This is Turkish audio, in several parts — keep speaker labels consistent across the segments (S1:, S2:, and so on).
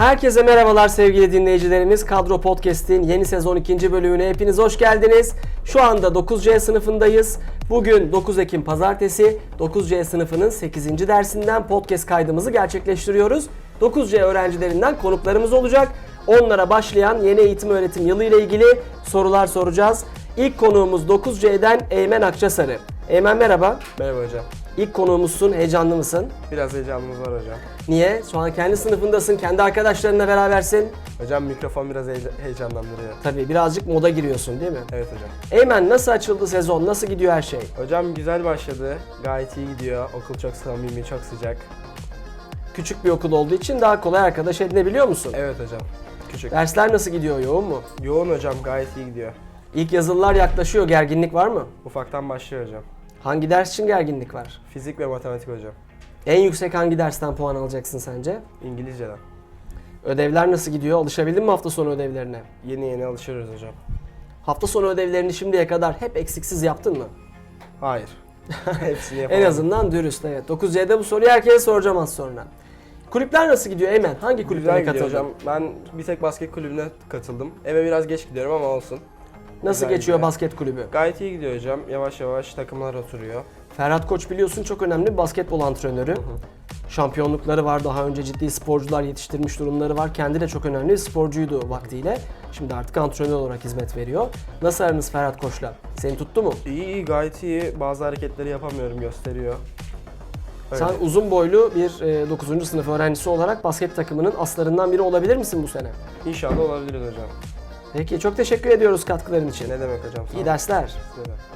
S1: Herkese merhabalar sevgili dinleyicilerimiz. Kadro Podcast'in yeni sezon 2. bölümüne hepiniz hoş geldiniz. Şu anda 9C sınıfındayız. Bugün 9 Ekim Pazartesi 9C sınıfının 8. dersinden podcast kaydımızı gerçekleştiriyoruz. 9C öğrencilerinden konuklarımız olacak. Onlara başlayan yeni eğitim öğretim yılı ile ilgili sorular soracağız. İlk konuğumuz 9C'den Eymen Akçasarı. Eymen merhaba.
S2: Merhaba hocam.
S1: İlk konuğumuzsun. Heyecanlı mısın?
S2: Biraz heyecanımız var hocam.
S1: Niye? Şu an kendi sınıfındasın, kendi arkadaşlarınla berabersin.
S2: Hocam mikrofon biraz heyecanlandırıyor.
S1: Tabii birazcık moda giriyorsun değil mi?
S2: Evet hocam.
S1: Eymen nasıl açıldı sezon? Nasıl gidiyor her şey?
S2: Hocam güzel başladı. Gayet iyi gidiyor. Okul çok samimi, çok sıcak.
S1: Küçük bir okul olduğu için daha kolay arkadaş edinebiliyor musun?
S2: Evet hocam. Küçük.
S1: Dersler nasıl gidiyor? Yoğun mu?
S2: Yoğun hocam, gayet iyi gidiyor.
S1: İlk yazılılar yaklaşıyor. Gerginlik var mı?
S2: Ufaktan başlıyor hocam.
S1: Hangi ders için gerginlik var?
S2: Fizik ve matematik hocam.
S1: En yüksek hangi dersten puan alacaksın sence?
S2: İngilizceden.
S1: Ödevler nasıl gidiyor? Alışabildin mi hafta sonu ödevlerine?
S2: Yeni alışıyoruz hocam.
S1: Hafta sonu ödevlerini şimdiye kadar hep eksiksiz yaptın mı?
S2: Hayır. Hepsini yapamadım.
S1: En azından dürüst, evet. 9C'de bu soruyu herkese soracağım az sonra. Kulüpler nasıl gidiyor Eymen? Hangi kulüplere
S2: Güzel gidiyor
S1: katıldın?
S2: hocam. Ben bir tek basket kulübüne katıldım. Eve biraz geç gidiyorum ama olsun.
S1: Nasıl
S2: Güzel
S1: geçiyor
S2: gidiyor.
S1: basket kulübü?
S2: Gayet iyi gidiyor hocam. Yavaş yavaş takımlar oturuyor.
S1: Ferhat Koç biliyorsun çok önemli bir basketbol antrenörü. Şampiyonlukları var, daha önce ciddi sporcular yetiştirmiş durumları var. Kendi de çok önemli bir sporcuydu vaktiyle. Şimdi artık antrenör olarak hizmet veriyor. Nasıl aranız Ferhat Koç'la? Seni tuttu mu?
S2: İyi, gayet iyi. Bazı hareketleri yapamıyorum, gösteriyor. Öyle.
S1: Sen uzun boylu bir 9. sınıf öğrencisi olarak basket takımının aslarından biri olabilir misin bu sene?
S2: İnşallah olabiliriz hocam.
S1: Peki, çok teşekkür ediyoruz katkıların için.
S2: Ne demek hocam? Sağ
S1: İyi
S2: olun.
S1: dersler.
S2: Size de.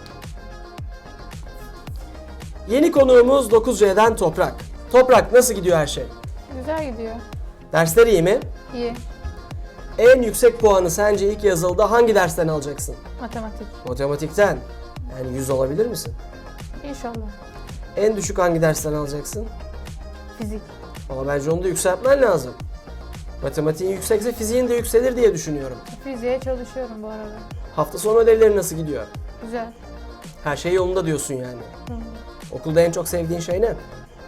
S1: Yeni konuğumuz 9C'den Toprak. Toprak, nasıl gidiyor her şey?
S3: Güzel gidiyor.
S1: Dersler iyi mi?
S3: İyi.
S1: En yüksek puanı sence ilk yazılıda hangi dersten alacaksın?
S3: Matematik.
S1: Matematikten. Yani 100 alabilir misin?
S3: İnşallah.
S1: En düşük hangi dersten alacaksın?
S3: Fizik.
S1: Ama bence onu da yükseltmen lazım. Matematiğin yüksekse fiziğin de yükselir diye düşünüyorum.
S3: Fiziğe çalışıyorum bu arada.
S1: Hafta sonu ödevleri nasıl gidiyor?
S3: Güzel.
S1: Her şey yolunda diyorsun yani.
S3: Hı.
S1: Okulda en çok sevdiğin şey ne?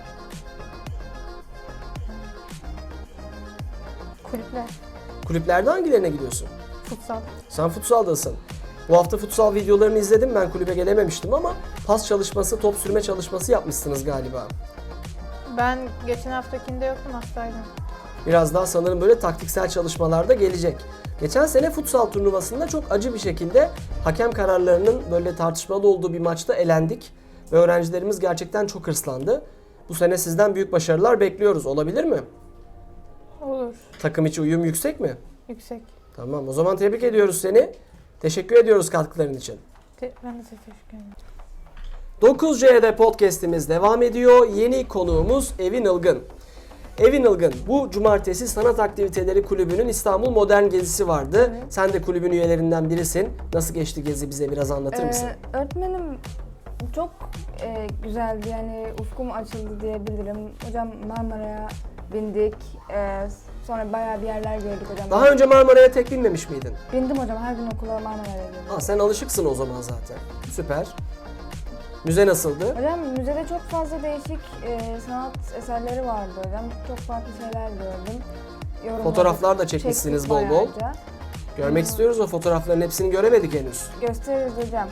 S3: Kulüpler.
S1: Kulüplerde hangilerine gidiyorsun?
S3: Futsal.
S1: Sen futsaldasın. Bu hafta futsal videolarını izledim, ben kulübe gelememiştim ama pas çalışması, top sürme çalışması yapmışsınız galiba.
S3: Ben geçen haftakinde yoktum, hastaydım.
S1: Biraz daha sanırım böyle taktiksel çalışmalarda gelecek. Geçen sene futsal turnuvasında çok acı bir şekilde hakem kararlarının böyle tartışmalı olduğu bir maçta elendik. Ve öğrencilerimiz gerçekten çok hırslandı. Bu sene sizden büyük başarılar bekliyoruz. Olabilir mi?
S3: Olur.
S1: Takım içi uyum yüksek mi?
S3: Yüksek.
S1: Tamam, o zaman tebrik ediyoruz seni. Teşekkür ediyoruz katkıların için.
S3: Ben de teşekkür ederim.
S1: 9C'de podcast'imiz devam ediyor. Yeni konuğumuz Evin Ilgın. Evin Ilgın, bu cumartesi Sanat Aktiviteleri Kulübü'nün İstanbul Modern Gezisi vardı.
S3: Evet.
S1: Sen de kulübün üyelerinden birisin. Nasıl geçti gezi, bize biraz anlatır mısın?
S4: Öğretmenim çok güzeldi, yani ufkum açıldı diyebilirim. Hocam Marmara'ya bindik, sonra bayağı bir yerler gördük hocam.
S1: Daha önce Marmara'ya tek binmemiş miydin?
S4: Bindim hocam, her gün okula Marmara'ya gidiyorum.
S1: Sen alışıksın o zaman zaten. Süper. Müze nasıldı?
S4: Hocam müzede çok fazla değişik sanat eserleri vardı hocam. Çok farklı şeyler gördüm. Yorumladık,
S1: Fotoğraflar da çekmişsiniz
S4: çektik
S1: bol bol.
S4: bayağıca.
S1: Görmek istiyoruz o fotoğrafların, hepsini göremedik henüz.
S4: Gösteririz hocam.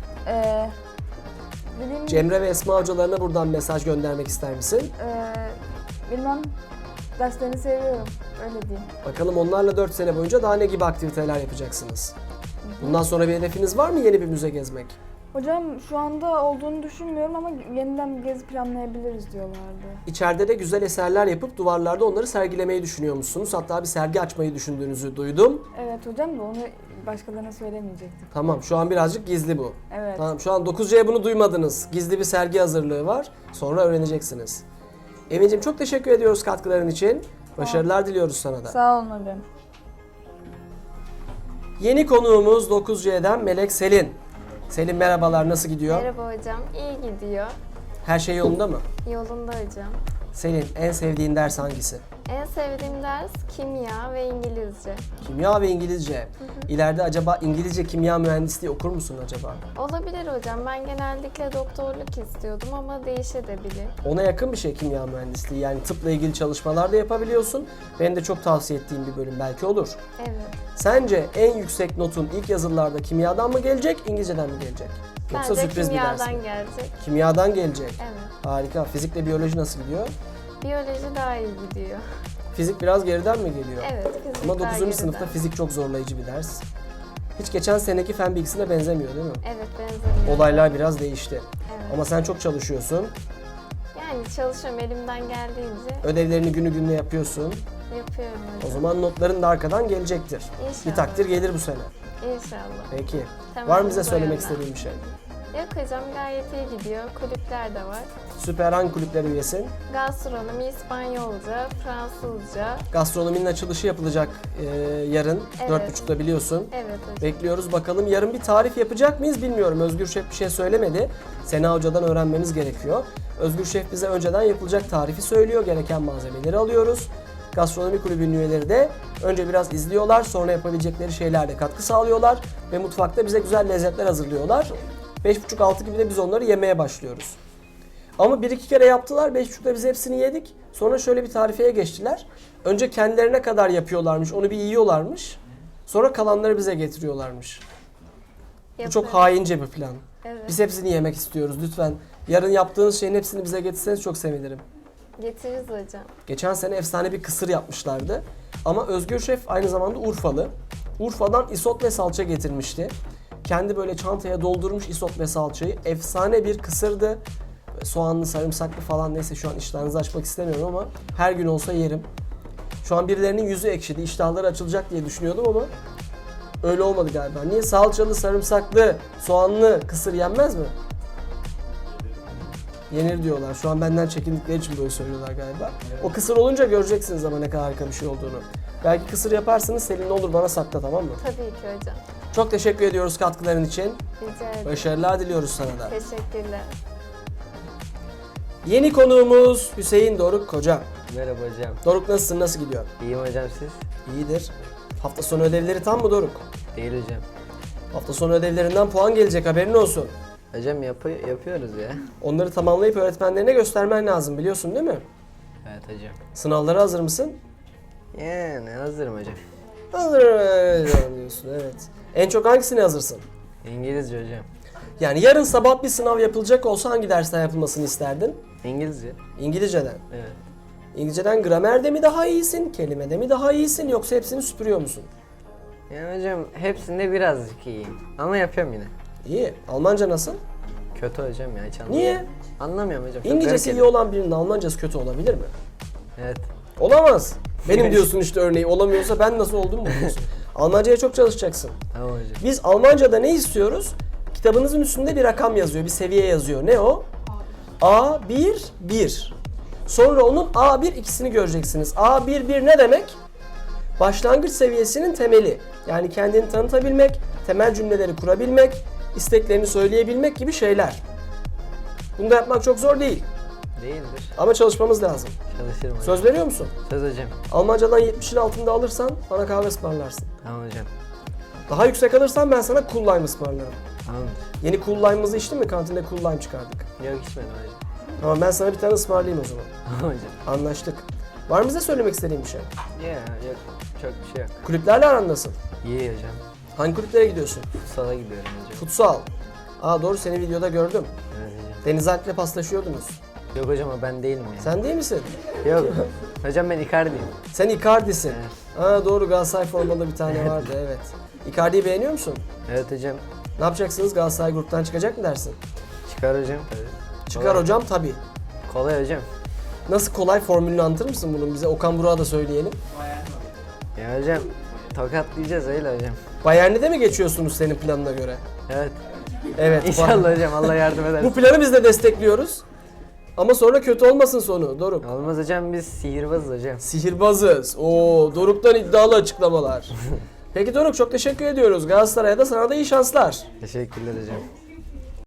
S4: Dediğim gibi,
S1: Cemre ve Esma hocalarına buradan mesaj göndermek ister misin?
S4: bilmem, derslerini seviyorum, öyle diyeyim.
S1: Bakalım onlarla 4 sene boyunca daha ne gibi aktiviteler yapacaksınız? Bundan sonra bir hedefiniz var mı, yeni bir müze gezmek?
S4: Hocam şu anda olduğunu düşünmüyorum ama yeniden bir gezi planlayabiliriz diyorlardı.
S1: İçeride de güzel eserler yapıp duvarlarda onları sergilemeyi düşünüyormuşsunuz. Hatta bir sergi açmayı düşündüğünüzü duydum.
S4: Evet hocam, da onu başkalarına söylemeyecektim.
S1: Tamam, şu an birazcık gizli bu.
S4: Evet.
S1: Tamam, şu an 9C'ye bunu duymadınız. Gizli bir sergi hazırlığı var. Sonra öğreneceksiniz. Emin'cim çok teşekkür ediyoruz katkıların için. Başarılar diliyoruz sana da.
S4: Sağ olun hocam.
S1: Yeni konuğumuz 9C'den Melek Selin. Selin merhabalar, nasıl gidiyor?
S5: Merhaba hocam, iyi gidiyor.
S1: Her şey yolunda mı?
S5: Yolunda hocam.
S1: Selin, en sevdiğin ders hangisi?
S5: En sevdiğim ders kimya ve İngilizce.
S1: Kimya ve İngilizce. İleride acaba İngilizce kimya mühendisliği okur musun acaba?
S5: Olabilir hocam. Ben genellikle doktorluk istiyordum ama değişebilir.
S1: Ona yakın bir şey kimya mühendisliği. Yani tıpla ilgili çalışmalar da yapabiliyorsun. Benim de çok tavsiye ettiğim bir bölüm belki olur.
S5: Evet.
S1: Sence en yüksek notun ilk yazılılarda kimyadan mı gelecek, İngilizceden mi gelecek? Yoksa
S5: Bence
S1: sürpriz bir ders
S5: kimyadan
S1: mi?
S5: gelecek.
S1: Kimyadan gelecek.
S5: Evet.
S1: Harika. Fizikle biyoloji nasıl gidiyor?
S5: Biyoloji daha iyi gidiyor.
S1: Fizik biraz geriden mi geliyor?
S5: Evet, fizik
S1: Ama
S5: daha
S1: 9.
S5: geriden.
S1: sınıfta fizik çok zorlayıcı bir ders. Hiç geçen seneki fen bilgisine benzemiyor değil mi?
S5: Evet, benzemiyor.
S1: Olaylar biraz değişti.
S5: Evet.
S1: Ama sen çok çalışıyorsun.
S5: Yani çalışıyorum elimden geldiğince
S1: Ödevlerini günü gününe yapıyorsun.
S5: yapıyorum hocam.
S1: O zaman notların da arkadan gelecektir.
S5: İnşallah.
S1: Bir takdir gelir bu sene.
S5: İnşallah.
S1: Peki.
S5: Tamam,
S1: Var mı bize
S5: bu
S1: söylemek
S5: yönden.
S1: istediğin bir şey?
S5: Yok hocam gayet iyi gidiyor. Kulüpler de var.
S1: Süper, hangi kulüplere üyesin?
S5: Gastronomi, İspanyolca, Fransızca.
S1: Gastronominin açılışı yapılacak yarın.
S5: Evet.
S1: 4.30'da biliyorsun.
S5: Evet hocam.
S1: Bekliyoruz bakalım. Yarın bir tarif yapacak mıyız bilmiyorum. Özgür Şef bir şey söylemedi. Sena Hoca'dan öğrenmemiz gerekiyor. Özgür Şef bize önceden yapılacak tarifi söylüyor. Gereken malzemeleri alıyoruz. Gastronomi kulübünün üyeleri de önce biraz izliyorlar. Sonra yapabilecekleri şeylerle katkı sağlıyorlar. Ve mutfakta bize güzel lezzetler hazırlıyorlar. 5.30-6 gibi de biz onları yemeye başlıyoruz. Ama 1-2 kere yaptılar. 5.30'da biz hepsini yedik. Sonra şöyle bir tarifeye geçtiler. Önce kendilerine kadar yapıyorlarmış. Onu bir yiyorlarmış. Sonra kalanları bize getiriyorlarmış. Bu çok
S5: Yapıyorum.
S1: haince bir plan.
S5: Evet.
S1: Biz hepsini yemek istiyoruz lütfen. Yarın yaptığınız şeyin hepsini bize getirseniz çok sevinirim.
S5: Getiririz hocam.
S1: Geçen sene efsane bir kısır yapmışlardı. Ama Özgür Şef aynı zamanda Urfalı. Urfa'dan isot ve salça getirmişti. Kendi böyle çantaya doldurmuş isot ve salçayı. Efsane bir kısırdı. Soğanlı, sarımsaklı falan, neyse şu an iştahınızı açmak istemiyorum ama her gün olsa yerim. Şu an birilerinin yüzü ekşidi, iştahları açılacak diye düşünüyordum ama öyle olmadı galiba. Niye? Salçalı, sarımsaklı, soğanlı kısır yenmez mi? Yenir diyorlar. Şu an benden çekindikleri için böyle söylüyorlar galiba. O kısır olunca göreceksiniz ama ne kadar harika bir şey olduğunu. Belki kısır yaparsınız, Selin ne olur bana sakla, tamam mı?
S5: Tabii ki hocam.
S1: Çok teşekkür ediyoruz katkıların için.
S5: Rica ederim.
S1: Başarılar diliyoruz sana da.
S5: Teşekkürler.
S1: Yeni konuğumuz Hüseyin Doruk Koca.
S6: Merhaba hocam.
S1: Doruk nasılsın, nasıl gidiyor?
S6: İyiyim hocam siz?
S1: İyidir. Hafta sonu ödevleri tam mı Doruk?
S6: Değil hocam.
S1: Hafta sonu ödevlerinden puan gelecek, haberin olsun.
S6: Hocam yapıyoruz ya.
S1: Onları tamamlayıp öğretmenlerine göstermen lazım, biliyorsun değil mi?
S6: Evet hocam.
S1: Sınavlara hazır mısın?
S6: Yani hazırım hocam.
S1: Hazırım diyorsun, evet. En çok hangisine hazırsın?
S6: İngilizce hocam.
S1: Yani yarın sabah bir sınav yapılacak olsa hangi dersten yapılmasını isterdin?
S6: İngilizce?
S1: İngilizceden.
S6: Evet.
S1: İngilizceden gramerde mi daha iyisin, kelimede mi daha iyisin, yoksa hepsini süpürüyor musun?
S6: Yani hocam hepsinde birazcık iyiyim. Ama yapıyorum yine.
S1: İyi. Almanca nasıl?
S6: Kötü hocam ya hiç anlamıyorum.
S1: Niye?
S6: Anlamıyorum hocam. çok
S1: İngilizcesi
S6: garip
S1: iyi olan birinin Almancası kötü olabilir mi?
S6: geliyor. Evet.
S1: Olamaz. Benim diyorsun işte örneği, olamıyorsa ben nasıl oldum mu diyorsun? Almancaya çok çalışacaksın.
S6: Tamam hocam.
S1: Biz Almanca'da ne istiyoruz? Kitabınızın üstünde bir rakam yazıyor, bir seviye yazıyor. Ne o? A1, 1. Sonra onun A1 ikisini göreceksiniz. A1, 1 ne demek? Başlangıç seviyesinin temeli. Yani kendini tanıtabilmek, temel cümleleri kurabilmek, isteklerini söyleyebilmek gibi şeyler. Bunu da yapmak çok zor değil.
S6: Değildir.
S1: Ama çalışmamız lazım.
S6: Çalışırım hocam.
S1: Söz veriyor musun?
S6: Söz hocam.
S1: Almancadan 70'in altında alırsan bana kahve ısmarlarsın.
S6: Tamam hocam.
S1: Daha yüksek alırsan ben sana Cool Lime ısmarlarım.
S6: Tamamdır.
S1: Yeni Cool Lime'ımızı içtin mi? Kantinde Cool Lime çıkardık.
S6: Yok içmedim hocam.
S1: Tamam, ben sana bir tane ısmarlayayım o zaman.
S6: Tamam hocam.
S1: Anlaştık. Var mı bize söylemek istediğin bir şey?
S6: Ya yok. Çok bir şey yok.
S1: Kulüplerle aran nasıl?
S6: İyi hocam.
S1: Hangi kulüplere gidiyorsun?
S6: Futsala gidiyorum hocam.
S1: Futsal. Aa doğru, seni videoda gördüm.
S6: Evet hocam.
S1: Deniz Alp'le paslaşıyordunuz.
S6: Yok hocam o ben değilim ya.
S1: Sen değil misin?
S6: Yok. Hocam ben Icardi'yim.
S1: Sen Icardi'sin.
S6: Evet.
S1: Aa doğru, Galatasaray formalı bir tane vardı, evet. Icardi'yi beğeniyor musun?
S6: Evet hocam.
S1: Ne yapacaksınız? Galatasaray gruptan çıkacak mı dersin?
S6: Çıkar hocam tabii.
S1: Çıkar
S6: Kolay.
S1: hocam tabii.
S6: Kolay hocam.
S1: Nasıl kolay, formülünü anlatır mısın bunun bize? Okan Burak'a da söyleyelim.
S6: Ya hocam tokatlayacağız öyle hocam.
S1: Bayern'de de mi geçiyorsunuz senin planına göre?
S6: Evet.
S1: Evet.
S6: İnşallah hocam Allah yardım eder.
S1: Bu planı biz de destekliyoruz. Ama sonra kötü olmasın sonu Doruk.
S6: Olmaz hocam biz sihirbazız hocam.
S1: Sihirbazız. Oo, Doruk'tan iddialı açıklamalar. Peki Doruk, çok teşekkür ediyoruz. Galatasaray'a da sana da iyi şanslar.
S6: Teşekkürler hocam.